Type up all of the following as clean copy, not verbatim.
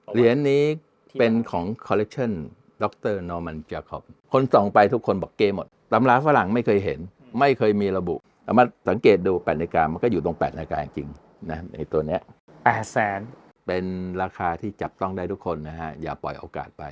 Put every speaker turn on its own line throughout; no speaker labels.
เหรียญนี้เป็นของคอลเลกชันดรนอร์มันจาคอบคนส่องไปทุกคนบอกเกหมดตำราฝรั่งไม่เคยเห็นไม่เคยมีระบุเอามาสังเกตดู8 นาฬิกามันก็อยู่ตรง8 นาฬิกาจริงนะในตัวเนี้ย
800,000
เป็นราคาที่จับต้องได้ทุกคนนะฮะอย่าปล่อยโอกาสไป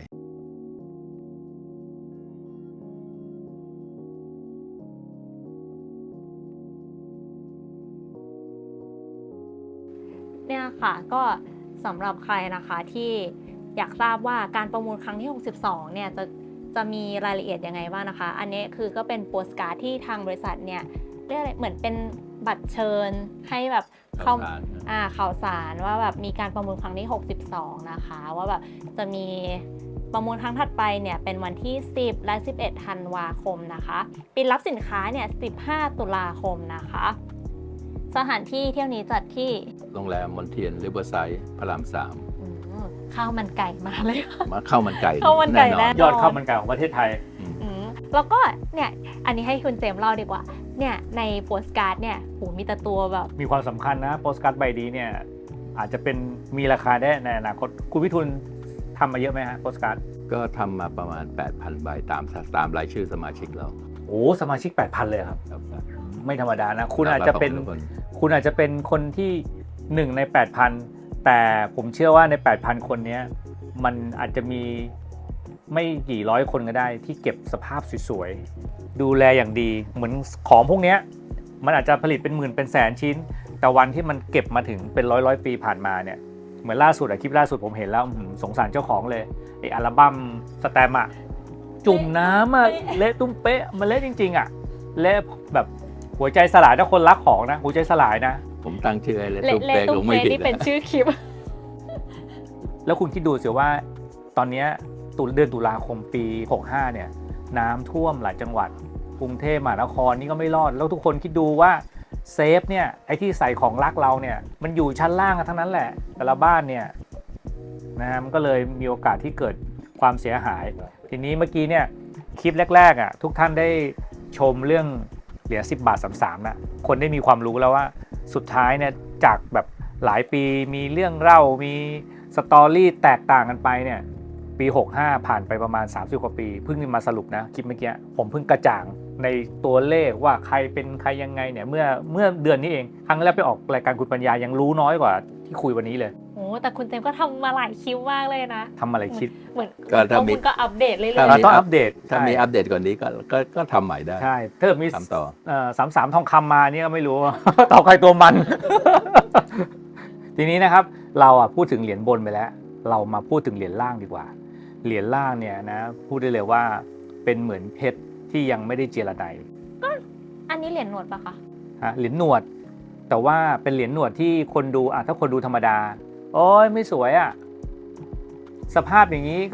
เนี่ยค่ะก็สำหรับใครนะคะที่อยากทราบว่าการประมูลครั้งที่ 62 เนี่ยจะมีรายละเอียดยังไงบ้างนะคะอันนี้คือก็เป็นโปสการ์ดที่ทางบริษัทเนี่ยเรียกอะไรเหมือนเป็นบัตรเชิญให้แบบข่าวสารว่าแบบมีการประมูลครั้งที่ 62 นะคะว่าแบบจะมีประมูลครั้งถัดไปเนี่ยเป็นวันที่ 10 และ 11 ธันวาคมนะคะปิดรับสินค้าเนี่ย 15 ตุลาคมนะคะสถานที่เที่ยวนี้จัดที่
โรงแรมมอนเทียนริเวอร์ไซด์พระราม 3
ข้าวมันไก่มาเลย
มาข้าวมันไก่
ข้าวมันไก่แน่นอน
ยอดข้าวมันไก่ของประเทศไทย
แล้วก็เนี่ยอันนี้ให้คุณเจมส์เล่าดีกว่าเนี่ยในโปสการ์ดเนี่ยมีแต่ตัวแบบ
มีความสำคัญนะโปสการ์ดใบนี้เนี่ยอาจจะเป็นมีราคาได้ในอนาคตคุณวิทูลทำมาเยอะไหมฮะโปสการ์ด
ก็ทำมาประมาณ 8,000 ใบตามรายชื่อสมาชิกเรา
โอ้สมาชิก 8,000 เลยครับไม่ธรรมดานะคุณอาจจะเป็นคนที่1 ใน 8,000 แต่ผมเชื่อว่าใน 8,000 คนนี้มันอาจจะมีไม่กี่ร้อยคนก็ได้ที่เก็บสภาพสวยๆดูแลอย่างดีเหมือนของพวกนี้มันอาจจะผลิตเป็นหมื่นเป็นแสนชิ้นแต่วันที่มันเก็บมาถึงเป็นร้อยปีผ่านมาเนี่ยเหมือนล่าสุดคลิปล่าสุดผมเห็นแล้วสงสารเจ้าของเลยไออัลบั้มสแตมป์จุ่มน้ำเละตุ้มเป๊ะมันเละจริงๆเละแบบหัวใจสลายถ้าคนรักของนะหัวใจสลายนะ
ผมตั้งชื่ออะไร
ตุ้มเป๊ะนี่เป็นชื่อคลิป
แล้วคุณคิดดูสิว่าตอนนี้เดือนตุลาคมปี 65 เนี่ยน้ำท่วมหลายจังหวัดกรุงเทพมหานครนี่ก็ไม่รอดแล้วทุกคนคิดดูว่าเซฟเนี่ยไอ้ที่ใส่ของรักเราเนี่ยมันอยู่ชั้นล่างกันทั้งนั้นแหละแต่ละบ้านเนี่ยนะฮะมันก็เลยมีโอกาสที่เกิดความเสียหายทีนี้เมื่อกี้เนี่ยคลิปแรกๆทุกท่านได้ชมเรื่องเหรียญ10 บาท 33นะคนได้มีความรู้แล้วว่าสุดท้ายเนี่ยจากแบบหลายปีมีเรื่องเล่ามีสตอรี่แตกต่างกันไปเนี่ยปี 65 ผ่านไปประมาณ30 กว่าปีเพิ่งมาสรุปนะคลิปเมื่อกี้ผมเพิ่งกระจ่างในตัวเลขว่าใครเป็นใครยังไงเนี่ยเมื่อเดือนนี้เองครั้งแรกไปออกรายการคุณปัญญายังรู้น้อยกว่าที่คุยวันนี้เลย
โอ้แต่คุณเจมก็ทำมาหลายคลิปมากเลยนะ
ทำมาหลายคลิป
เหมือนคุณก็อัปเดตเรื่อย
ๆต้องอัปเดต
ถ้ามีอัปเดตก่อนนี้ก็ทำใหม่ได้
ใช่ถ้ามี
ทำต่อ
33ทองคำมานี่ก็ไม่รู้ ต่อใครตัวมัน ทีนี้นะครับเราพูดถึงเหรียญบนไปแล้วเรามาพูดถึงเหรียญล่างดีกว่าเหรียญล่างเนี่ยนะพูดได้เลยว่าเป็นเหมือนเพชรที่ยังไม่ได้เจรได
ก็อันนี้เหรียญหนวดปะคะ
เหรียญหนวดแต่ว่าเป็นเหรียญหนวดที่คนดูถ้าคนดูธรรมดาโอ้ยไม่สวยสภาพอย่างนี้ก็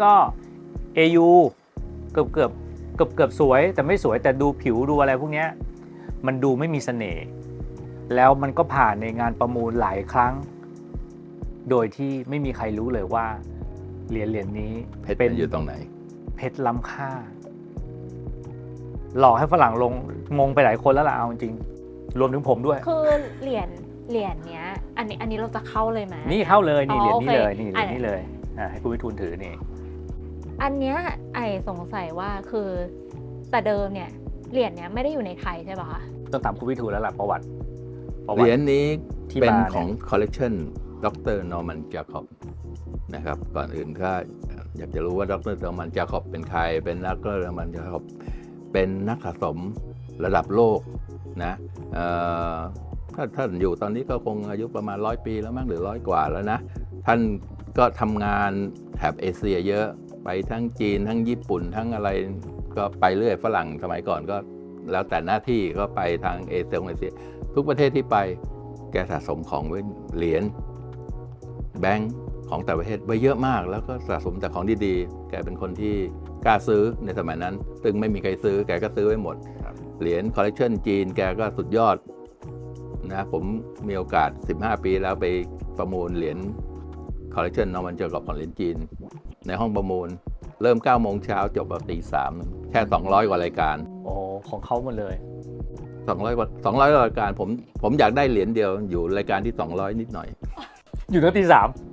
AU เกือบสวยแต่ไม่สวยแต่ดูผิวดูอะไรพวกนี้มันดูไม่มีเสน่ห์แล้วมันก็ผ่านในงานประมูลหลายครั้งโดยที่ไม่มีใครรู้เลยว่าเหรียญนี้
เพชรอยู่ตรงไหน
เพชรล้ำค่าหลอกให้ฝรั่งงงไปหลายคนแล้วล่ะเอาจริงรวมถึงผมด้วย
คือเหรียญเนี้ยอันนี้เราจะเข้าเลยไหม
นี่เข้าเลยนี่เหรียญนี้เลยนี่เหรียญนี้เลยให้คุณวิทูลถือนี่
อันเนี้ยสงสัยว่าคือแต่เดิมเนี่ยเหรียญเนี้ยไม่ได้อยู่ในไทยใช่ป่ะคะ
ต้องถามคุณวิทูลแล้วล่ะประวัติ
เหรียญนี้เป็นของคอลเลกชันดรนอร์มันจาคอบนะครับก่อนอื่นก็อยากจะรู้ว่าดรนอร์มันจาคอบเป็นใครเป็นดรนอร์มันจาคอบเป็นนักสะสมระดับโลกนะถ้าท่านอยู่ตอนนี้ก็คงอายุประมาณ100 ปีแล้วมั้งหรือ100 กว่าแล้วนะท่านก็ทำงานแถบเอเชียเยอะไปทั้งจีนทั้งญี่ปุ่นทั้งอะไรก็ไปเรื่อยฝรั่งสมัยก่อนก็แล้วแต่หน้าที่ก็ไปทางเอเชียทุกประเทศที่ไปแกสะสมของไว้เหรียญแบงค์ของแต่ประเทศไว้เยอะมากแล้วก็สะสมแต่ของดีๆแกเป็นคนที่กล้าซื้อในสมัยนั้นซึ่งไม่มีใครซื้อแกก็ซื้อไว้หมดเหรียญคอลเลกชันจีนแกก็สุดยอดนะผมมีโอกาส15 ปีแล้วไปประมูลเหรียญคอลเลกชันนอร์มันจาคอบของเหรียญจีนในห้องประมูลเริ่ม 9 โมงเช้าจบแบบตี 3แค่200 กว่ารายการ
โอ้ของเขาหมดเลย
200 กว่ารายการผมอยากได้เหรียญเดียวอยู่รายการที่200นิดหน่อย
อยู่ตั้งตี 3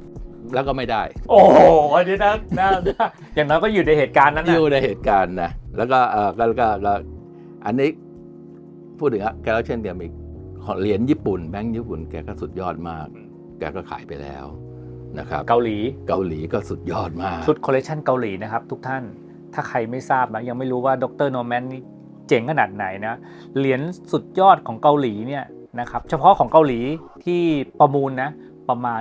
แล้วก็ไม่ได้
โอ้โหอันนี้นะอย่างน้อยก็อยู่ในเหตุการณ์นั้น
อ
นะ
ยู่ในเหตุการณ์นะแล้วก็ก็อันนี้พูดถึงแกแล้วเช่นเดียวมีเหรียญญี่ปุ่นแบงค์ญี่ปุ่นแกก็สุดยอดมาก แกก็ขายไปแล้วนะครับ
เกาหลี
เกาหลีก็สุดยอดมาก
ชุดคอลเลคชันเกาหลีนะครับทุกท่านถ้าใครไม่ทราบนะยังไม่รู้ว่าดร. โนแมนนี่เจ๋งขนาดไหนนะเหรียญสุดยอดของเกาหลีเนี่ยนะครับเฉพาะของเกาหลีที่ประมูลนะประมาณ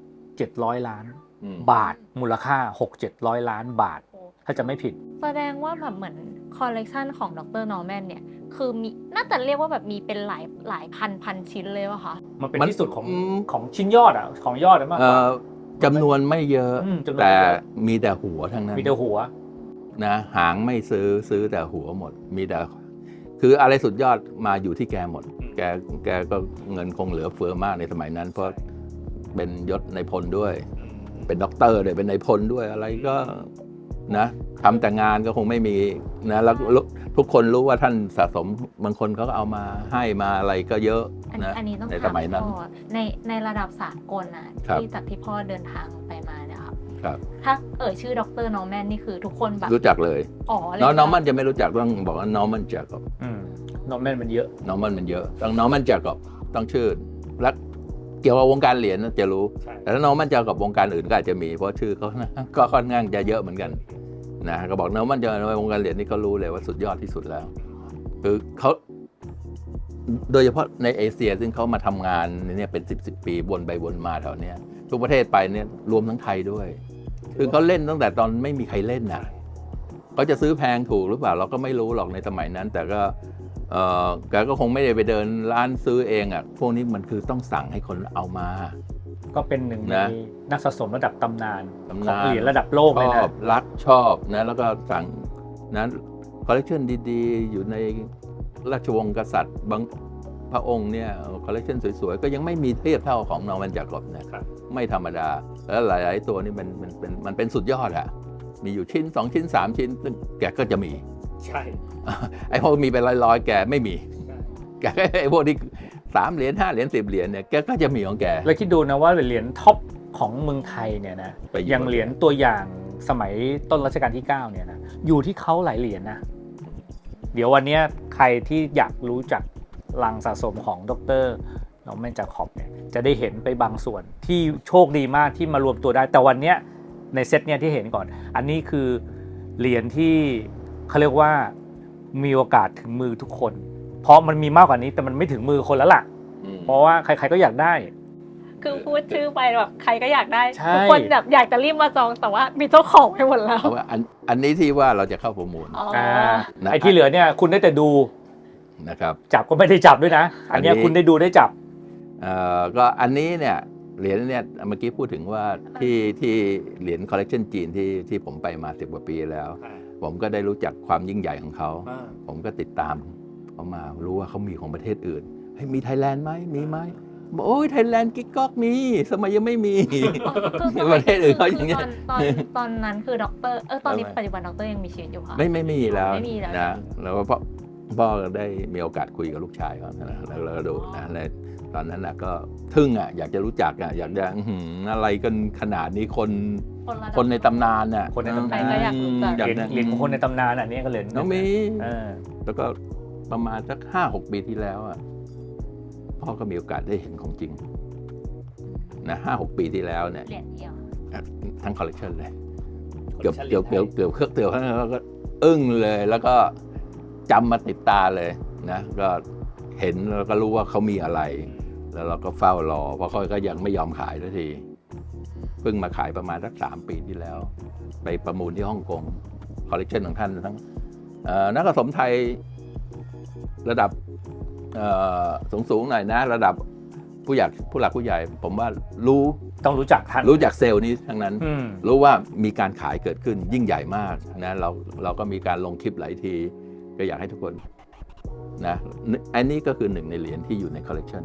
6-700 ล้านบาทมูลค่า 6-700 ล้านบาทถ้าจะไม่ผิด
แสดงว่าแบบเหมือนคอลเลกชันของดร. นอร์แมนเนี่ยคือมีน่าจะเรียกว่าแบบมีเป็นหลายพันชิ้นเลยวะคะ
มันเป็นที่สุดของชิ้นยอดอ่ะของยอดมากกว่า
จำนวนไม่เยอะ
จำนวนไม่
แต่
เยอะ
มีแต่หัวทั้งนั้น
มีแต่หัว
นะหางไม่ซื้อแต่หัวหมด มีแต่คืออะไรสุดยอดมาอยู่ที่แกหมด แกก็เงินคงเหลือเฟือมากในสมัยนั้น เพราะเป็นยศในพลด้วย เป็นด็อกเตอร์ด้วยเป็นในพลด้วยอะไรก็นะทำแต่งานก็คงไม่มีนะแล้วทุกคนรู้ว่าท่านสะสมบางคนเขาก็เอามาให้มาอะไรก็เยอะนะ
อันนี้ต้อง
ใน
ถาม
สมัยนั้น
พ่อในระดับสากลนะ
ครับ
ที่จากที่พ่อเดินทางไปมาเนี่ยครับ
ครับ
ถ้าชื่อดร. นอร์แมนนี่คือทุกคนแบบ
รู้จักเลย
อ๋อเลย
น้องมันจะไม่รู้จักต้องบอกว่าน้องมันจากอบ
โนแมนมันเยอะ
น้องมันเยอะต้องน้องมันจากอบต้องชื่อและเกี่ยวกับวงการเหรียญจะรู้
ใช่
แต่ถ้าน้องมันจะกับวงการอื่นก็อาจจะมีเพราะชื่อเขาก็ค่อนข้างจะเยอะเหมือนกันนะก็บอกน้องมันจะในวงการเหรียญนี่เขารู้เลยว่าสุดยอดที่สุดแล้วคือเขาโดยเฉพาะในเอเชียซึ่งเขามาทำงานเนี่ยเป็น10 ปีวนไปวนมาแถวเนี้ยทุกประเทศไปเนี่ยรวมทั้งไทยด้วย คือเขาเล่นตั้งแต่ตอนไม่มีใครเล่นนะเขาจะซื้อแพงถูกหรือเปล่าเราก็ไม่รู้หรอกในสมัยนั้น แต่ก็แกก็คงไม่ได้ไปเดินร้านซื้อเองอ่ะพวกนี้มันคือต้องสั่งให้คนเอามา
ก็เป็นหนึ่งใน
นะ
นักสะสมระดับตำนาน
ตำนาน
ของเหรียญระดับโลก
ช
เลย
อ
นะ
บรักชอบนะแล้วก็สั่งนะคอลเลคชันดีๆ อยู่ในราชวงศ์กษัตริย์บางพระองค์เนี่ยคอลเลคชันสวยๆ ก็ยังไม่มีเทียบเท่าของนอร์แมนจากอบนะครับไม่ธรรมดา แล้วหลายๆตัวนี่มันเป็นสุดยอดอะมีอยู่ชิ้น 2 ชิ้น 3 ชิ้นซึ่งแกก็จะมี
ใช่
ไอ้พวกมีเป็นร้อยๆแกไม่มีแกก็ไอ้พวกที่3 เหรียญ 5 เหรียญ 10 เหรียญเนี่ยแกก็จะมีของแก
แล้วคิดดูนะว่าเหรียญท็อปของเมืองไทยเนี่ยนะ
ไปอยู่
อย่างเหรียญตัวอย่างสมัยต้นรัชกาลที่ 9 เนี่ยนะอยู่ที่เขาหลายเหรียญนะ เดี๋ยววันนี้ใครที่อยากรู้จักลังสะสมของดร. นอร์แมน จาคอบเนี่ยจะได้เห็นไปบางส่วนที่โชคดีมากที่มารวมตัวได้แต่วันเนี้ยในเซตเนี่ยที่เห็นก่อน อันนี้คือเหรียญที่เขาเรียกว่ามีโอกาสถึงมือทุกคน เพราะมันมีมากกว่านี้แต่มันไม่ถึงมือคนแล้วล่ะ เพราะว่าใครๆก็อยากได้
คือพูดชื่อไปแบบใครก็อยากได้
ใช่
ทุกคนแบบอยากจะรีบมาจองแต่ว่ามีเจ้าของไปหมดแล้ว
เอาว่าอันนี้ที่ว่าเราจะเข้าประมูล
อ๋อ
นะ
ไอ้ที่เหลือเนี่ยคุณได้แต่ดู
นะครับ
จับก็ไม่ได้จับด้วยนะ อันเนี้ย
อันนี้
คุณได้ดูได้จับ
ก็อันนี้เนี่ยเหรียญเนี่ยเมื่อกี้พูดถึงว่าที่เหรียญคอลเลกชันจีนที่ผมไปมา10 กว่าปีแล้ว ผมก็ได้รู้จักความยิ่งใหญ่ของเขา ผมก็ติดตามเขามารู้ว่าเขามีของประเทศอื่นเฮ้ยมีไทยแลนด์ไหมมีไหมบอกโอ้ยไทยแลนด์กิ๊กก๊อกมีสมัยยังไม่มี ประเทศอื่นเขาอย่างเงี้ย
ตอนนั้นคือด็อกเตอร์ตอนนี้ปัจจุบันด็อกเตอร์ยังมีชีวิตอยู่ค่ะ
ไม่มีแล้ว
ไม่มีแล้ว
นะแล้วก็พ่อได้มีโอกาสคุยกับลูกชายเขานะแล้วเราก็ดูนะในตอนนั้นนะก็ทึ่งอ่ะอยากจะรู้จักอ่ะอยากจะอะไรกันขนาดนี้คนในตำนานน่ะ
คนในตำนาน
ใครก็อยากรู้จัก
เหรียญของคนในตำนานอันนี้ก็เหรียญ
น้องมี
เออ
แล้วก็ประมาณสัก5-6 ปีที่แล้วอ่ะพ่อก็มีโอกาสได้เห็นของจริงนะ5-6 ปีที่แล้วเนี่ย
เหรียญเดียว
ทั้งคอลเลกชันเลยเกือบเครื่องเตือนแล้วก็อึ้งเลย แล้วก็จำมาติดตาเลยนะก็เห็นแล้วก็รู้ว่าเขามีอะไร แล้วเราก็เฝ้ารอเพราะเขาก็ยังไม่ยอมขายสักทีเพิ่งมาขายประมาณสัก3 ปีที่แล้ว ไปประมูลที่ฮ่องกงคอลเลกชันของท่านทั้งนักสะสมไทยระดับสูงหน่อยนะ ระดับผู้หลักผู้ใหญ่ ผมว่ารู้
ต้องรู้จักท่าน
รู้จักเซลล์นี้ทั้งนั้น
อืม
รู้ว่ามีการขายเกิดขึ้นยิ่งใหญ่มากนะเราก็มีการลงคลิปหลายที ก็อยากให้ทุกคนนะอันนี้ก็คือหนึ่งในเหรียญที่อยู่ในคอลเลกชัน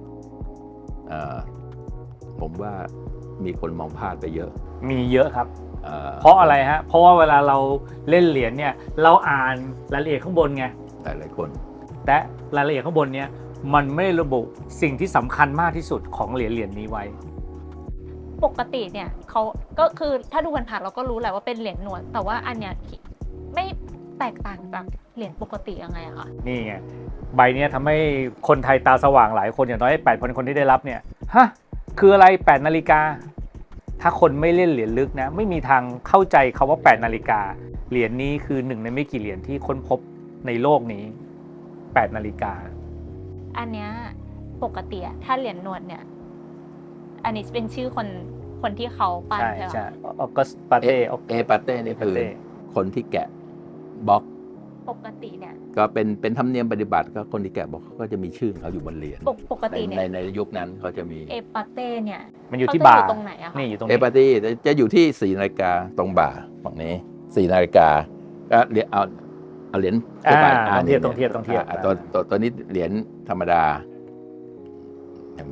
ผมว่ามีคนมองพลาดไปเยอะ
มีเยอะครับ เพราะอะไรฮะ เพราะว่าเวลาเราเล่นเหรียญเนี่ยเราอ่านรายละเอียดข้างบนไง
หลายคน
แต่รายละเอียดข้างบนเนี่ยมันไม่ระบุสิ่งที่สำคัญมากที่สุดของเหรียญนี้ไว้
ปกติเนี่ยเขาก็คือถ้าดูผ่านๆเราก็รู้แหละว่าเป็นเหรียญหนวด แต่ว่าอันเนี้ยไม่แตกต่างจากเหรียญปกติยังไงอะคะ
นี่ไงใบเนี้ยทำให้คนไทยตาสว่างหลายคนอย่างน้อย8,000 คนที่ได้รับเนี่ยฮะคืออะไร8 นาฬิกาถ้าคนไม่เล่นเหรียญลึกนะไม่มีทางเข้าใจคำว่า8 นาฬิกาเหรียญนี้คือหนึ่งในไม่กี่เหรียญที่ค้นพบในโลกนี้8 นาฬิกา
อันเนี้ยปกติอะถ้าเหรียญหนวดเนี่ยอันนี้เป็นชื่อคนที่เขาปั้น
ใช่
ใช่ไหม
ใช่ออกัสปาเต้
เอปาเต้นี่คือคนที่แกะบล็อก
ปกติเนี่ย
ก็เป็นธรรมเนียมปฏิบัติก็คนที่แกะบล็อกเขาก็จะมีชื่อเขาอยู่บนเหรียญ
ปกติเนี่ย
ในยุคนั้นเขาจะมี
เอปาเต้เนี่ย
มันอยู่ที่
เขาจะ
บ่า
ตรงไหนอะคะ
นี่อยู่ตรง
เอ
นี้
ปาตี้จะอยู่ที่4 นาฬิกาตรงบ่าฝั่งนี้4 นาฬิกาก็เหรียญเอาเหรียญทั่วไป
ต้องเทียบต้องเทียบต้องเทียบ
ตัวนี้เหรียญธรรมดาเห็นไหม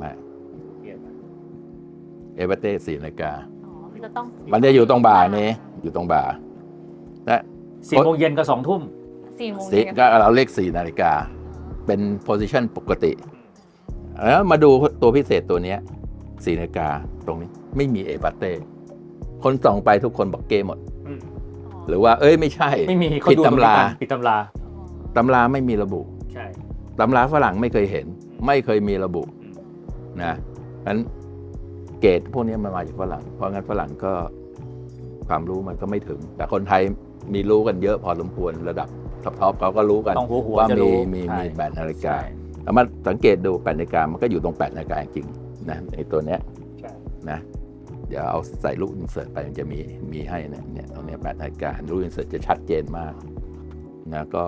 เอปาเต้4 นาฬิกา
อ๋อมันจะต้อง
มันจะอยู่ตรงบ่านี้อยู่ตรงบ่าและ
4 โมงเย็นกับ2 ทุ่ม
4 โมง
สิ
เย็น
ก็เราเลข4 นาฬิกาเป็นโพซิชันปกติแล้วมาดูตัวพิเศษตัวเนี้ย4 นาฬิกาตรงนี้ไม่มีเอปาเต้คนส่องไปทุกคนบอกเกหมด หรือว่าเอ้ยไม่ใช่
ไม่มีเขา
ผิด
ดู
ตำรา
ผิดตำรา
ตำราไม่มีระบุ
ใช่
ตำราฝรั่งไม่เคยเห็น ไม่เคยมีระบุนะนั้นเกรดพวกนี้มันมาจากฝรั่งเพราะงั้นฝรั่งก็ความรู้มันก็ไม่ถึง แต่คนไทยมีรู้กันเยอะพอสมควรระดับท็อปเขาก็รู้กัน
ต้องหัว
ว่า
จะ
มี
รู้
มี
ใช่
8 นาฬิกา
ใช่
แล้วมาสังเกตดู8 นาฬิกามันก็อยู่ตรง8 นาฬิกาจริงๆนะในตัวเนี้ย
ใช่
นะเดี๋ยวเอาใส่ลูกอินเสิร์ตไปมันจะมีให้เนี่ยตรงเนี้ย8 นาฬิกาลูกอินเสิร์ตจะชัดเจนมากนะก็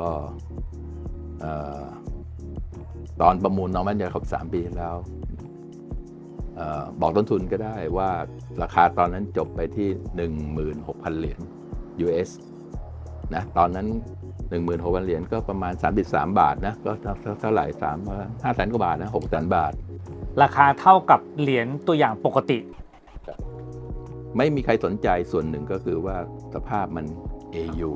ตอนประมูลน้องมันจะครบ3 ปีที่แล้วบอกต้นทุนก็ได้ว่าราคาตอนนั้นจบไปที่ 16,000 เหรียญ US นะตอนนั้น 16,000 เหรียญก็ประมาณ33 บาทนะก็เท่าไหร่500,000 กว่าบาทนะ600,000 บาท
ราคาเท่ากับเหรียญตัวอย่างปกติ
ไม่มีใครสนใจส่วนหนึ่งก็คือว่าสภาพมัน AU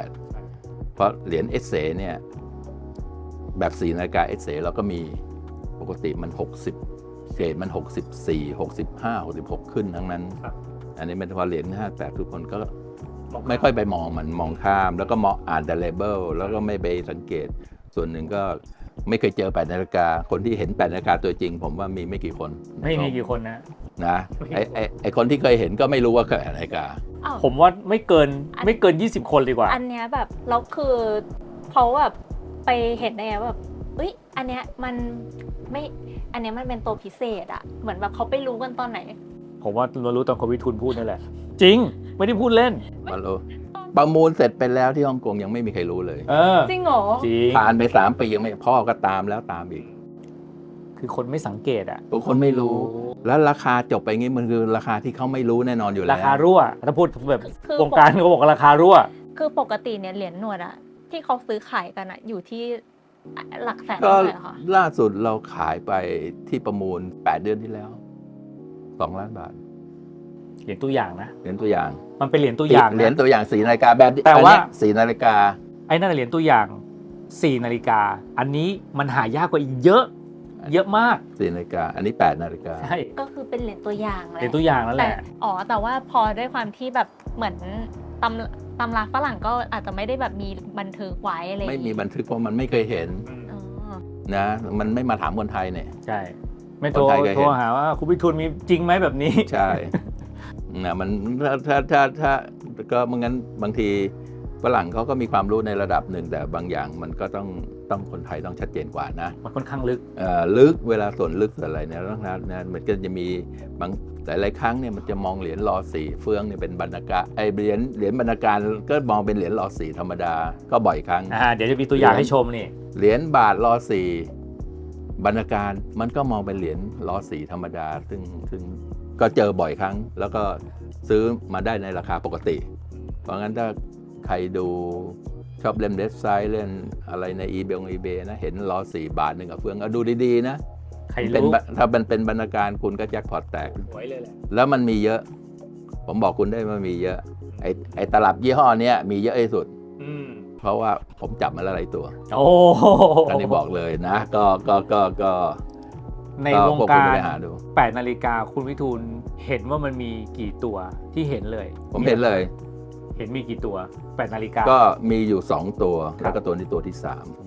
58เพราะเหรียญเอสเซเนี่ยแบบ4 นาฬิกาเอสเซเราก็มีปกติมัน60เกรดมัน64 65 66ขึ้นทั้งนั้น
ครับ
อันนี้เป็นพอเหรียญ58ทุกคนก็ไม่ค่อยไปมองมันมองข้าม แล้วก็มองอ่านแต่เลเบลแล้วก็ไม่ไปสังเกต ส่วนหนึ่งก็ไม่เคยเจอ8 นาฬิกาคนที่เห็น8 นาฬิกาตัวจริง ผมว่ามีไม่กี่คน
ไม่มีกี่คนนะ
นะไอคนที่เคยเห็นก็ไม่รู้ว่าเกิด8 นาฬิกา
อ้าว
ผมว่าไม่เกิน 20 คนดีกว่า
อันเนี้ยแบบแล้วคือเขาแบบไปเห็นได้ไงว่าแบบเอ้ยอันเนี้ยมันไม่อันเนี้ยมันเป็นตัวพิเศษอะเหมือนแบบเขาไปรู้กันตอนไหน
ผมว่าเรารู้ตอนคุณวิทูลพูดนั่นแหละ จริงไม่ได้พูดเล่น
มันรู้ประมูลเสร็จไปแล้วที่ฮ่องกงยังไม่มีใครรู้เลย
เออ
จริงเหรอ
จริง
ผ่านไป3 ปียังไม่พ่อก็ตามแล้วตามอีก
คือคนไม่สังเกตอะ
ทุกคนไม่รู้ แล้วราคาจบไปงี้มันคือราคาที่เขาไม่รู้แน่นอนอยู่แล้ว
ราคารั่วถ้าพูดแบบ
คือ
วงการเขาบอกว่าราคารั่ว
คือปกติเนี่ยเหรียญหนวดอะที่เขาซื้อขายกันอะอยู่ที่หลักแสน
ก็
เท่าไหร่เหรอคะ
ล่าสุดเราขายไปที่ประมูล8 เดือนที่แล้ว2 ล้านบาท
เหรียญตัวอย่างนะ
เหรียญตัวอย่าง
มันเป็นเหรียญตัวอย่าง
เหรียญ
นะ
ตัวอย่าง4 นาฬิกาแบบ
แต่ว่า
4 นาฬิกา
ไอ้นั่นนะเหรียญตัวอย่าง 4 นาฬิกา อันนี้มันหายากกว่าอีกเยอะ เยอะมาก
4 นาฬิกาอันนี้8 นาฬิกา
ใช่
ก็คือเป็นเหรียญตัวอย่างแห
เหรียญ
ละ
ตัวอย่างนั่นแห
แต่
ละ
แต่ว่าพอด้วยความที่แบบเหมือนตำราฝรั่งก็อาจจะไม่ได้แบบมีบันทึกไว้อะไรอย่าง
ไม่
งี้
มีบันทึกเพราะมันไม่เคยเห็น
อ๋อ
นะมันไม่มาถามคนไทยเนี่ย
ใช่ ไม่
คนไทยก็เห็น
โทรหาว่าคุณวิทูลมีจริงไหมแบบนี้
ใช่ นะมันถ้าก็ไม่งั้นบางทีฝรั่งเขาก็มีความรู้ในระดับหนึ่งแต่บางอย่างมันก็ต้องคนไทยต้องชัดเจนกว่านะ
มันค่อนข้างลึก
ลึกเวลาส่วนลึกส่วนอะไรเนี่ยต้องนะมันก็จะมีบางหลายๆครั้งเนี่ยมันจะมองเหรียญรอสี่เฟืองเนี่ยเป็นบรรณาการเหรียญบรรณาการก็มองเป็นเหรียญรอสี่ธรรมดาก็บ่อยครั้ง
เดี๋ยวจะมีตัวอย่างให้ชมนี่
เหรียญบาทรอสี่บรรณาการมันก็มองเป็นเหรียญรอสี่ธรรมดาซึ่งก็เจอบ่อยครั้ง แล้วก็ซื้อมาได้ในราคาปกติ เพราะงั้นถ้าใครดูชอบเล่นเว็บไซต์เล่นอะไรใน eBay นะเห็นรอ4 บาทหนึ่งกับเฟืองดูดีๆนะ
ใคร
เป็น
รู้
ถ้ามันเป็นบรรณาการคุณก็แจ็คพอตแตก
หวยเลยแหละ
แล้วมันมีเยอะ ผมบอกคุณได้ว่ามีเยอะไอ้ตลับยี่ห้อเนี้ยมีเยอะที่สุด เพราะว่าผมจับมาแล้วหลายตัว
โอ้
อันนี้บอกเลยนะก็
ในวง
พว
กา
คุณ
ร
ไปหาดู
8 นาฬิกาคุณวิทูลเห็นว่ามันมีกี่ตัวที่เห็นเลย
ผมเห็นเลย
เห็นมีกี่ตัว8 นาฬิกา
ก็มีอยู่2ตัว
ครับ
แล้วก็ตัวนี้ตัวที่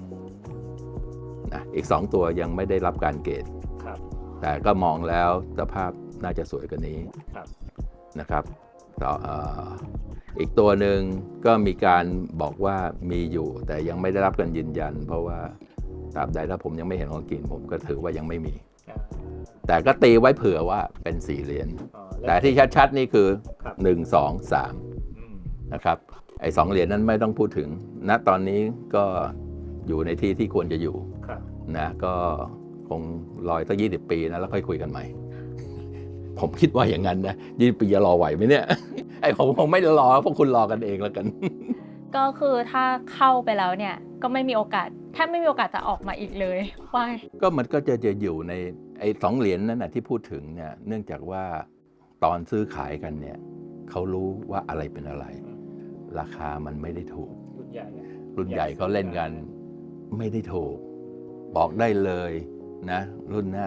3นะอีก2ตัวยังไม่ได้รับการเกณฑ์
ครับ
แต่ก็มองแล้วสภาพน่าจะสวยกว่านี้
ครับ
นะครับอีกตัวหนึ่งก็มีการบอกว่ามีอยู่แต่ยังไม่ได้รับการยืนยัน เพราะว่าตราบใดถ้าผมยังไม่เห็นของกินผมก็ถือว่ายังไม่มี แต่ก็ตีไว้เผื่อว่าเป็น4 เหรียญแต่ที่ชัดๆนี่คือ
ครับ
1 2 3นะครับไอ้2 เหรียญนั้นไม่ต้องพูดถึงณตอนนี้ก็อยู่ในที่ที่ควรจะอยู่
ครับ
นะก็คงรออีกสัก20 ปีนะแล้วค่อยคุยกันใหม่ ผมคิดว่าอย่างนั้นนะ20 ปีจะรอไหวไหมเนี่ย ไอ้ผมคงไม่รอพวกคุณรอกันเองแล้วกัน
ก็คือถ้าเข้าไปแล้วเนี่ยก็ไม่มีโอกาสแทบไม่มีโอกาสจะออกมาอีกเลยว่า
ก็มันก็จะอยู่ในไอ้2 เหรียญนั้นนะที่พูดถึงเนี่ยเนื่องจากว่าตอนซื้อขายกันเนี่ยเขารู้ว่าอะไรเป็นอะไร ราคามันไม่ได้ถูก
รุ่นใหญ่
รุ่นใหญ่เขาเล่นกันไม่ได้ถูก บอกได้เลยนะ รุ่นหน้า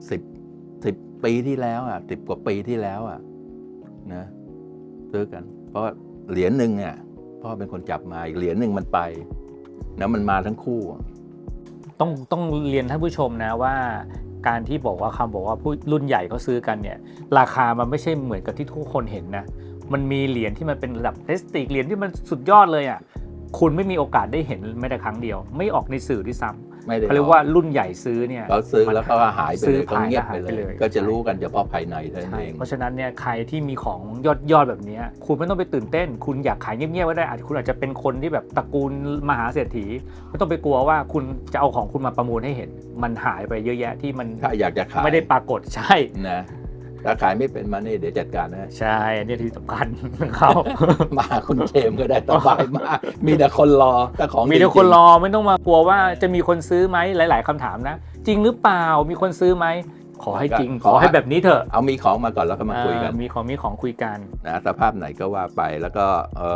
10 ปีที่แล้วอ่ะ10 กว่าปีที่แล้วอ่ะนะซื้อกัน เพราะเหรียญหนึ่งเนี่ยพ่อเป็นคนจับมาอีกเหรียญหนึ่งมันไปนะมันมาทั้งคู่อะ
ต้องเรียนท่านผู้ชมนะว่าการที่บอกว่าผู้รุ่นใหญ่เขาซื้อกันเนี่ยราคามันไม่ใช่เหมือนกับที่ทุกคนเห็นนะมันมีเหรียญที่มันเป็นระดับเพรสติจเหรียญที่มันสุดยอดเลยอ่ะคุณไม่มีโอกาสได้เห็นแม้แต่ครั้งเดียวไม่ออกในสื่อด้วยซ้ำ
ไม่ได้
เขาเรียกว่ารุ่นใหญ่ซื้อเนี่ย
เขาซื้อแล้วเขาก็หายไป
ซื้
เล
อย
เขาเงียบ
หาย
ไป
ไป
เล
เลย ย
ก็จะรู้กันเฉพาะภายในเท่านั้น
ใช่
เอง
เพราะฉะนั้นเนี่ยใครที่มีของยอดแบบนี้คุณไม่ต้องไปตื่นเต้น คุณอยากขายเงียบๆก็ได้คุณอาจจะเป็นคนที่แบบตระกูลมหาเศรษฐีไม่ต้องไปกลัวว่าคุณจะเอาของคุณมาประมูลให้เห็นมันหายไปเยอะแยะที่มัน
ถ้าอยากจะขาย
ไม่ได้ปรากฏใช่
นะถ้าขายไม่เป็นมานี่เดี๋ยวจัดการนะ
ใช่อันนี้ที่สำคัญเขา
มาคุณเจมส์ก็ได้สบายมากมีแต่คนรอแต่ของ
มีแต่
จงๆ
คนรอไม่ต้องมากลัวว่าจะมีคนซื้อไหมหลาย ๆคำถามนะ จริงหรือเปล่ามีคนซื้อไหมขอให้จริง ขอให้แบบนี้เถอะ
เอามีของมาก่อนแล้วก็มาคุยกัน
มีของคุยกัน
นะสภาพไหนก็ว่าไปแล้วก็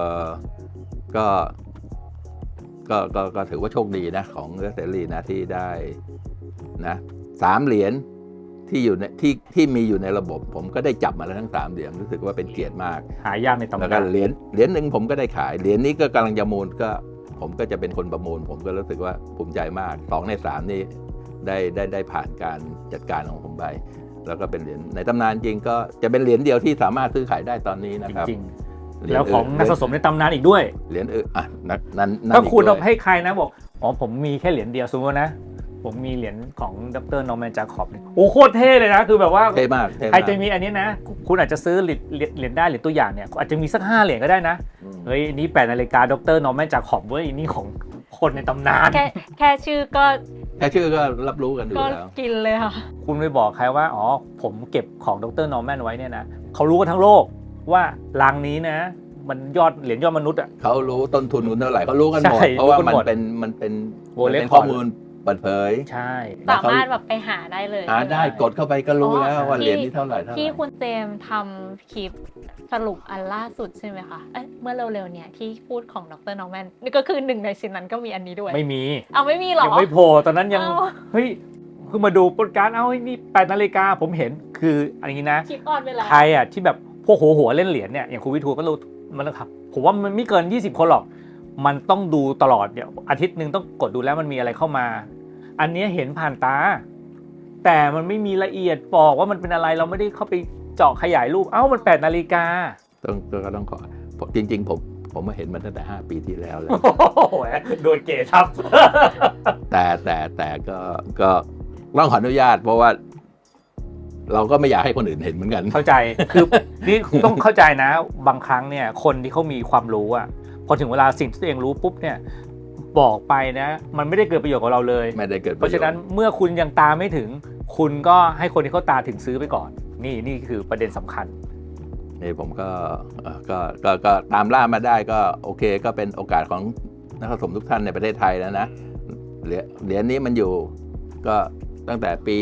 ก็ถือว่าโชคดีนะของเสรีนะที่ได้นะ3 เหรียญที่อยู่ในที่มีอยู่ในระบบผมก็ได้จับมาแล้วทั้ง3 เหรียญรู้สึกว่าเป็นเกียรติมาก
หายากในตำ
แล้ว
นา
ก็
น
เหรียญหนึ่งผมก็ได้ขายเหรียญนี้ก็กำลังจะมูลก็ผมก็จะเป็นคนประมูล ผมก็รู้สึกว่าภูมิใจมาก2 ใน 3นี่ได้ผ่านการจัดการของผมไปแล้วก็เป็นเหรียญในตำนานจริงก็จะเป็นเหรียญเดียวที่สามารถซื้อขายได้ตอนนี้นะครับ
จริงๆแล้วของนักสะสมในตำนานอีกด้วย
เหรียญอ่ะนั่น
ถ้าคุณ
อีกด้วย
ให้ใครนะบอกอ๋อผมมีแค่เหรียญเดียวสมมตินะผมมีเหรียญของดร.นอร์แมน จาคอบโอ้โคตรเท่เลยนะคือแบบว่า
เท่มากเท่
ใคร
มาก
จะมีอันนี้นะคุณอาจจะซื้อเหรียญได้เหรียญตัวอย่างเนี่ยอาจจะมีสัก5 เหรียญก็ได้นะ
อืม
เฮ้ยนี่8 นาฬิกาดร.นอร์แมน จาคอบเว้ยนี่ของคนในตำนาน
แค่ชื่อก็
แค่ชื่อก็รับรู้กันอยู่
ก็
แล้ว
กินเลยค่ะ
คุณไปบอกใครว่าอ๋อผมเก็บของดร.นอร์แมนไว้เนี่ยนะเขารู้กันทั้งโลกว่ารังนี้นะมันเหรียญยอดมนุษย์อ่ะ
เขารู้ต้นทุนคุณเท่าไหร่เขารู้กันหมด
ใช่
เพราะว่า
รู้กัน
มัน
หมด
เป็น
World
เป็น
Record
ข้อมูลเปิดเผย
ใช่
แล้ว
สา
เขา
มารถแบบไปหาได้เลย
หาได้กดเข้าไปก็รู้แล้วว่าเหรียญนี้เท่าไหร่
ที่คุณเจมส์ทำคลิปสรุปอันล่าสุดใช่ไหมคะเมื่อเร็วๆเนี่ยที่พูดของดร.นอร์แมนนี่ก็คือหนึ่งในชิ้นนั้นก็มีอันนี้ด้วย
ไม่มี
เอาไม่มีเหรอ
ยังไม่โผล่ตอนนั้นยัง
เอ้า
เฮ้ยคือมาดูโปรดการ์ดเอานี่8 นาฬิกาผมเห็นคืออันนี้นะ
คลิปออนไปแล้ว
ใครอ่ะที่แบบพวกหัวเล่นเหรียญเนี่ยอย่างคุณวิทูลก็รู้มันนะครับผมว่ามันไม่เกิน20 คนหรอกมันต้องดูตลอดเดี๋ยวอาทิตย์หนึ่งต้องกดดูแล้วมันมีอะไรเข้ามา อันนี้เห็นผ่านตา แต่มันไม่มีละเอียดบอกว่ามันเป็นอะไรเราไม่ได้เข้าไปเจาะขยายรูปเอ้ามัน8 นาฬิกา
ต้องขอจริงๆผมมาเห็นมันตั้งแต่5 ปีที่แล้วแล้ว
โอ้โหโดนเกทับ
แต่ก็ต้องขออนุญาตเพราะว่า เราก็ไม่อยากให้คนอื่นเห็นเหมือนกัน
เข้าใจคือนี่ต้องเข้าใจนะบางครั้งเนี่ยคนที่เขามีความรู้อ่ะพอถึงเวลาสิ่งที่ตัวเองรู้ปุ๊บเนี่ยบอกไปนะมันไม่ได้เกิดประโยชน์กับเราเลย
ไม่ได้เกิด
เพราะฉะนั้นเมื่อคุณยังตามไม่ถึง คุณก็ให้คนที่เขาตาถึงซื้อไปก่อนนี่คือประเด็นสำคัญ
นี่ผมก็ตามล่ามาได้ก็โอเคก็เป็นโอกาสของนักสะสมทุกท่านในประเทศไทยแล้วนะเหรียญนี้มันอยู่ก็ตั้งแต่ปี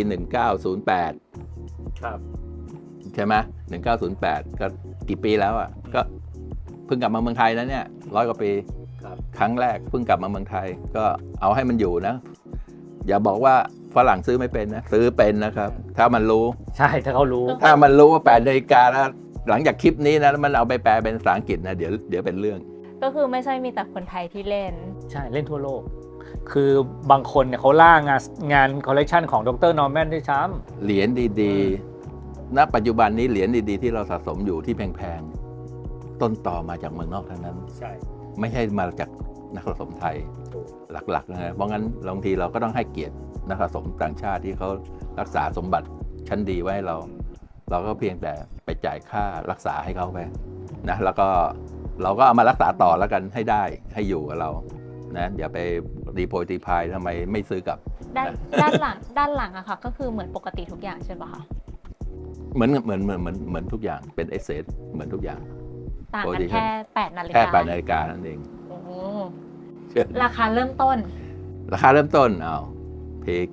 1908
ครับ
ใช่ไหม1908 ก็กี่ปีแล้วอ่ะก็เพิ่งกลับมาเมืองไทยนะเนี่ย100 กว่าปี
ครับ
ครั้งแรกเพิ่งกลับมาเมืองไทยก็เอาให้มันอยู่นะอย่าบอกว่าฝรั่งซื้อไม่เป็นนะซื้อเป็นนะครับ ถ้ามันรู้
ใช่ถ้าเขารู้
ถ้ามันรู้ว่า8 นาฬิกาแล้วหลังจากคลิปนี้นะมันเอาไปแปลเป็นภาษาอังกฤษนะเดี๋ยวเป็นเรื่อง
ก็คือไม่ใช่มีแต่คนไทยที่เล่น
ใช่เล่นทั่วโลก คือบางคนเนี่ยเขาล่างานคอลเลกชันของดรนอร์แมนด้วยซ้
เหรียญดีๆ ณ ปัจจุบันนี้เหรียญดีๆที่เราสะสมอยู่ที่แพงๆ ต้นต่อมาจากเมืองนอกทั้งนั้น
ำใช่
ไม่ใช่มาจากนักสะสมไทยหลักๆนะเพราะงั้นบางทีเราก็ต้องให้เกียรตินักสะสมต่างชาติที่เขารักษาสมบัติชั้นดีไว้ให้เราก็เพียงแต่ไปจ่ายค่ารักษาให้เขาไปนะแล้วก็เราก็เอามารักษาต่อแล้วกันให้ได้ให้อยู่กับเรานะอย่าไปรีโพยตีพายทำไมไม่ซื้อกลับ
ด้านหลังอะค่ะก็คือเหมือนปกติทุกอย่างใช่ปะคะ
เหมือนทุกอย่างเป็นเอเซทเหมือนทุกอย่าง
ต่างกันแค่8 นาฬิกา
แค่8 นาฬิกานั่นเอง
โอ้โห
เชื่อ
ราคาเริ่มต้น
ราคาเริ่มต้นเพก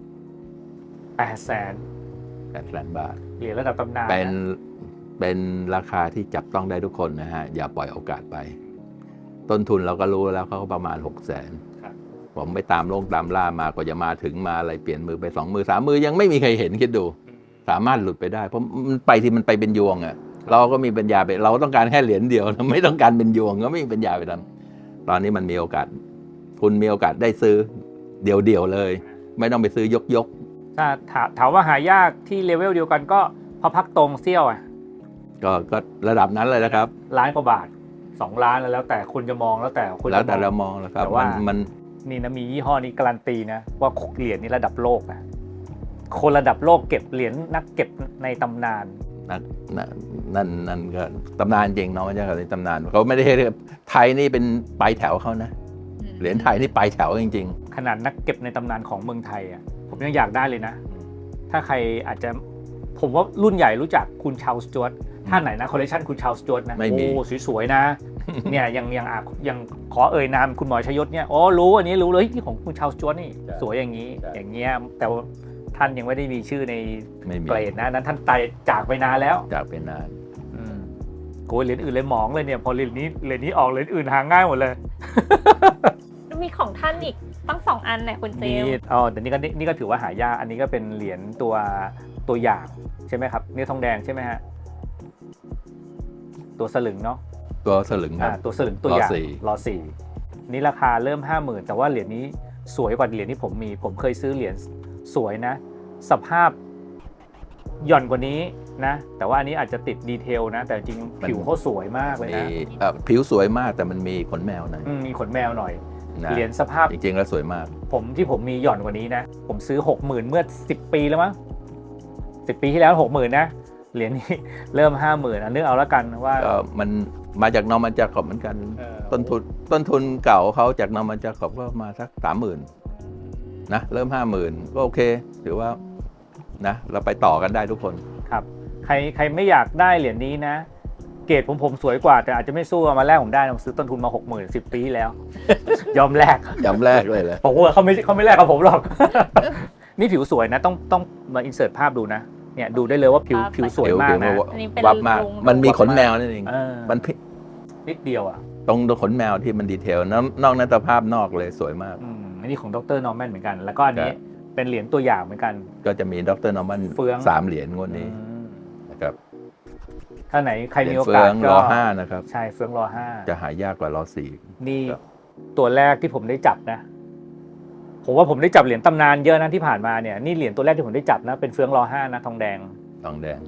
800,000
800,000 บาท
เหรียญระดับตำนาน
เป็นราคาที่จับต้องได้ทุกคนนะฮะอย่าปล่อยโอกาสไป ต้นทุนเราก็รู้แล้วเขาก็ประมาณ 600,000
ครับ
ผมไปตามล่ามากว่าจะมาถึงมาอะไรเปลี่ยนมือไป2 มือ 3 มือยังไม่มีใครเห็นคิดดู สามารถหลุดไปได้เพราะมันไปที่มันไปเป็นยวงอะเราก็มีปัญญาไปเราต้องการแค่เหรียญเดียวเราไม่ต้องการเป็นยวงก็ไม่มีปัญญาไปทำตอนนี้มันมีโอกาสคุณมีโอกาสได้ซื้อเดี่ยวๆเลย ไม่ต้องไปซื้อยก
ถ้าถามว่าหายากที่เลเวลเดียวกันก็พอพักตรงเซี่ยวอ่ะ
ก็ระดับนั้นเลยนะครับ
ล้านกว่าบาท2 ล้านแล้วแต่คุณจะมองแล้วแต่คุณ
แล้วแต่
จะ
เรามองนะครับ
แต่ว่า
มัน
นี่นะมียี่ห้อนี้การันตีนะว่าเหรียญนี้ระดับโลกนะคนระดับโลกเก็บเหรียญนักเก็บในตำนาน
นั่นก็ตำนานจริงเนาะมันจะในตำนานเขาไม่ได้ให้ไทยนี่เป็นปลายแถวเขานะเหรียญไทยนี่ปลายแถวจริง
ขนาดนักเก็บในตำนานของเมืองไทยอ่ะผมยังอยากได้เลยนะ ถ้าใครอาจจะผมว่ารุ่นใหญ่รู้จักคุณชาลส์ จวตท่านไหนนะคอลเลคชันคุณชาลส์ จวตนะ
ไม่มี
โอ้สวยๆนะเนี่ยยังขอเอ่ยนามคุณหมอชยศเนี่ยอ๋อรู้อันนี้รู้เลยที่ของคุณชาลส์ จวตนี่สวยอย่างนี้อย่างเงี้ยแต่ว่าท่านยังไม่ได้มีชื่อใน
ๆ ไม่มี
เกรดนะนั้นท่านตายจากไปนานแล้ว
จากไปนาน
โกยเหรียญอื่นเลยหมองเลยเนี่ยพอเหรียญนี้ออกเหรียญอื่นหาง่ายหมดเลย
มีของท่านอีกตั้ง2 อันเนี่ยคุณเจ
นี่
มส์
แต่นี่ก็ถือว่าหายากอันนี้ก็เป็นเหรียญตัวอย่างใช่ไหมครับนี่ทองแดงใช่ไหมฮะตัวสลึงเนาะ
ตัวสลึงครับ
ตัวสลึงตัวอย่าง
รอสี่
นี่ราคาเริ่ม 50,000แต่ว่าเหรียญนี้สวยกว่าเหรียญที่ผมเคยซื้อเหรียญสวยนะ สภาพหย่อนกว่านี้นะแต่ว่าอันนี้อาจจะติดดีเทลนะแต่จริงผิวเขาสวยมากเลย
มี
นะ
ผิวสวยมากแต่มันมีขนแมวหน่อย
มีขนแมวหน่อย
นะ
เหรียญสภาพ
จริงๆแล้วสวยมาก
ผมมีหย่อนกว่านี้นะ ผมซื้อ 60,000 เมื่อ10 ปีแล้วมั้ง10 ปีที่แล้ว 60,000นะเหรียญนี้เริ่ม 50,000นึกเอาแล้วกันว่า
ก็มันมาจากนอร์มันจาคอบเหมือนกัน ต้นทุนเก่าเขาจากนอร์มันจาคอบก็มาสัก 30,000นะเริ่ม 50,000ก็โอเคถือว่านะเราไปต่อกันได้ทุกคน
ครับใครไม่อยากได้เหรียญนี้นะ เกรดผมสวยกว่าแต่อาจจะไม่สู้เอามาแลกผมได้ผมซื้อต้นทุนมา 60,000 10 ปีที่แล้ว ยอมแลก
ย้ำแรกเลยแหละ
ผมว่าเขาไม่แลกกับผมหรอก นี่ผิวสวยนะต้องมาอินเสิร์ตภาพดูนะเนี่ยดูได้เลยว่าผิวสวยมากนะ
อันนี้เป็น
วับมาก
ลุง
มันมีขนแมวนั่นเอง มัน
นิดเดียวอ่ะ
ตรงขนแมวที่มันดีเทลนอกนั้นสภาพนอกเลยสวยมาก
อันนี้ของดรนอร์แมนเหมือนกัน แล้วก็อันนี้
ครับ
เป็นเหรียญตัวอย่างเหมือนกัน
ก็จะมีดรนอร์มัน
เฟือง
3 เหรียญงวดนี้นะครับ
ถ้าไหนใคร
เหรี
มี
ยญ
โอ
เฟื
กา
อ
ส
ง
ก็
รอ5นะครับ
ใช่เฟืองรอ5
จะหายากกว่ารอ4
นี่
ครับ
ตัวแรกที่ผมได้จับนะผมว่าผมได้จับเหรียญตำนานเยอะนะที่ผ่านมาเนี่ยนี่เหรียญตัวแรกที่ผมได้จับนะเป็นเฟืองรอ5นะทองแดง
ทองแดง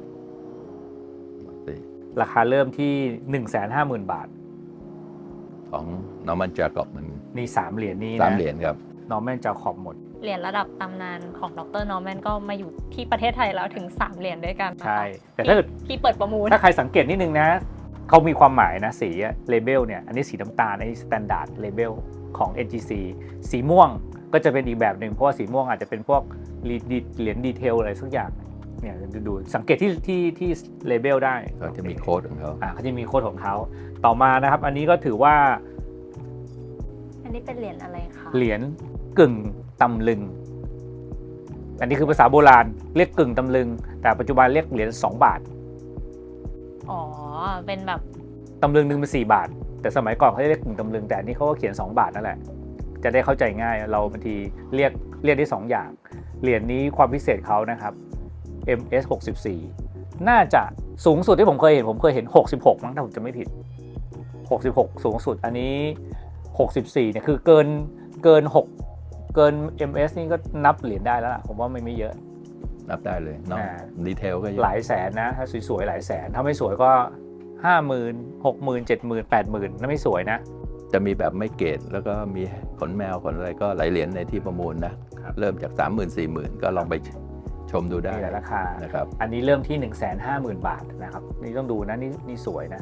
ราคาเริ่มที่ 150,000 บาท
ของนอร์มันจาคอบมัน
นี่3เหรียญนี้นะ
3 เหรียญครับ
นอร์แมนจะขอบหมด
เหรียญระดับตำนานของดรนอร์แมนก็มาอยู่ที่ประเทศไทยแล้วถึง3 เหรียญด้วยกันนะคะ
ใช่แต่ถ้าเกิด
ที่เปิดประมูล
ถ้าใครสังเกตนิดนึงนะเขามีความหมายนะสีเลเบลเนี่ยอันนี้สีน้ำตาลอันนี้สแตนดาร์ดเลเบลของ NGC สีม่วงก็จะเป็นอีกแบบหนึ่งเพราะว่าสีม่วงอาจจะเป็นพวกเหรียญดีเทลอะไรสักอย่างเนี่ยดูสังเกตที่เลเบลได้
เขาจะมีโค้ดของเขา
เขาจะมีโค้ดของเขาต่อมานะครับอันนี้ก็ถือว่า
อันนี้เป็นเหรียญอะไรคะ
เหรียญกึ่งตำลึงอันนี้คือภาษาโบราณเรียกกึ่งตำลึงแต่ปัจจุบันเรียกเหรียญ2 บาท
อ๋อเป็นแบบ
ตำลึงนึงเป็น4 บาทแต่สมัยก่อนเขาเรียกกึ่งตำลึงแต่อันนี้เขาก็เขียน2 บาทนั่นแหละจะได้เข้าใจง่ายเราบางทีเรียกได้2อย่างเหรียญนี้ความพิเศษเขานะครับ MS 64น่าจะสูงสุดที่ผมเคยเห็น66มั้งถ้าผมจะไม่ผิด66สูงสุดอันนี้64เนี่ยคือเกินMS นี่ก็นับเหรียญได้แล้วล่ะผมว่าไม่เยอะ
นับได้เลยเนาะดีเทลก็เยอะ
หลายแสนนะถ้าสวยๆหลายแสนถ้าไม่สวยก็ 50,000 60,000 70,000 80,000นั่นไม่สวยนะ
จะมีแบบไม่เกรดแล้วก็มีขนแมวขนอะไรก็หลายเหรียญในที่ประมูลนะเริ่มจาก 30,000 40,000 ก็ลองไปชมดูได้
มีหลายราคา
นะครับ
อันนี้เริ่มที่ 150,000 บาทนะครับนี่ต้องดูนะนี่สวยนะ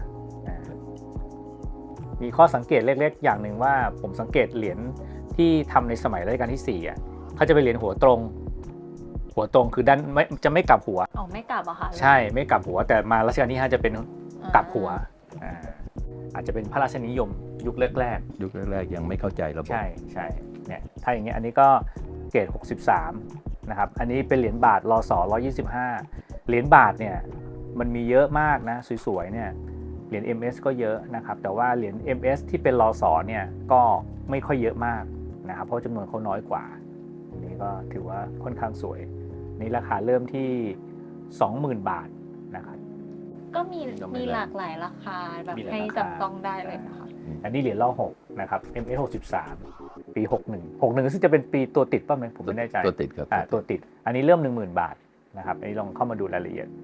มีข้อสังเกตเล็กๆอย่างหนึ่งว่าผมสังเกตเหรียญที่ทำในสมัยรัชกาลที่4อ่ะเขาจะเป็นเหรียญหัวตรงคือด้านจะไม่กลับหัว
ไม่กลับอะค่ะ
ใช่ไม่กลับหัวแต่มารัชกาลที่5จะเป็นกลับหัวอาจจะเป็นพระราชนิยมยุคแรก
ยังไม่เข้าใจระบบ
ใช่เนี่ยถ้าอย่างเงี้ยอันนี้ก็เกรด63นะครับอันนี้เป็นเหรียญบาทรศ125เหรียญบาทเนี่ยมันมีเยอะมากนะสวยๆเนี่ยเหรียญ MS ก็เยอะนะครับแต่ว่าเหรียญ MS ที่เป็นรศเนี่ยก็ไม่ค่อยเยอะมากนะครับเพราะจำนวนเขาน้อยกว่าอันนี้ก็ถือว่าค่อนข้างสวยนี่ราคาเริ่มที่ 20,000 บาทนะครับ
ก็มีหลากหลายราคาแบบให้จับต้องได้เลยนะคะ
อันนี้เหรียญร6นะครับ MS 63ปี61ซึ่งจะเป็นปีตัวติดป่ะไหมผมไม่แน่ใจ
ตัวติดครับ
ตัวติดอันนี้เริ่ม 10,000 บาทนะครับอันนี้ลองเข้ามาดูรายละเอียด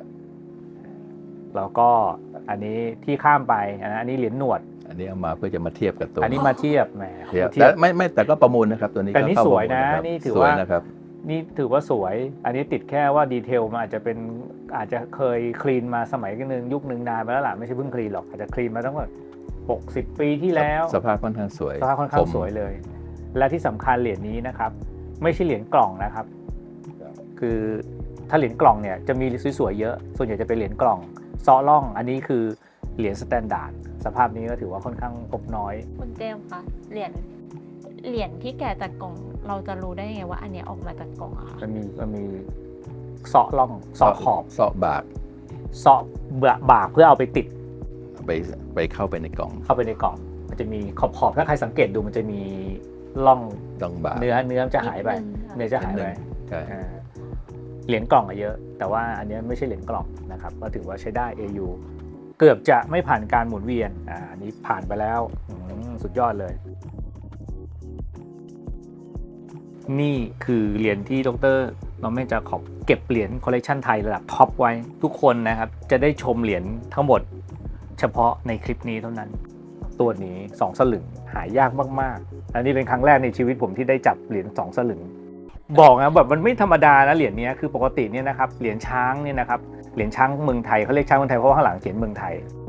แล้วก็อันนี้ที่ข้ามไปอันนี้เหรียญหนวด
อันนี้เอามาเพื่อจะมาเทียบกับตัว
อันนี้มาเทียบแหม
แต่ก็ประมูลนะครับตัวนี้
แต่นี่สวยนะนี่ถือว่า
นะครับ
นี่ถือว่าสวยอันนี้ติดแค่ว่าดีเทลมันอาจจะเคยคลีนมาสมัยนึงยุคนึงนานมาแล้วล่ะไม่ใช่เพิ่งคลีนหรอกอาจจะคลีนมาตั้งแต่60 ปีที่แล้ว
สภาพค่อนข้างสวย
เลยและที่สำคัญเหรียญนี้นะครับไม่ใช่เหรียญกล่องนะครับคือถ้าเหรียญกล่องเนี่ยจะมีสวยๆเยอะส่วนใหญ่จะเป็นเหรียญกล่องซ้อล่องอันนี้คือเหรียญสแตนดาร์ดสภาพนี้ก็ถือว่าค่อนข้างพบน้อย
คุณเจมส์คะเหรียญที่แกะจากกล่องเราจะรู้ได้ไงว่าอันนี้ออกมาจากกล่องอะคะ
มันมีเซาะล่องเซาะขอบ
เซาะบาก
เพื่อเอาไปติด
ไปเข้าไปในกล่อง
มันจะมีขอบถ้าใครสังเกตดูมันจะมีล่อง
บาก
เนื้อจะหายไป
ใช่
เหรียญกล่องเยอะแต่ว่าอันนี้ไม่ใช่เหรียญกล่องนะครับก็ถือว่าใช้ได้ AU เกือบจะไม่ผ่านการหมุนเวียนอันนี้ผ่านไปแล้วสุดยอดเลยนี่คือเหรียญที่ดร.นอร์แมน จาคอบเก็บเหรียญคอลเลกชันไทยระดับท็อปไว้ทุกคนนะครับจะได้ชมเหรียญทั้งหมดเฉพาะในคลิปนี้เท่านั้นตัวนี้2 สลึงหายากมากๆอันนี้เป็นครั้งแรกในชีวิตผมที่ได้จับเหรียญ2 สลึงบอกนะแบบมันไม่ธรรมดานะเหรียญนี้คือปกติเนี่ยนะครับเหรียญช้างเนี่ยนะครับเหรียญช้างเมืองไทยเขาเรียกช้างเมืองไทยเพราะว่าข้างหลังเขียนเมืองไทย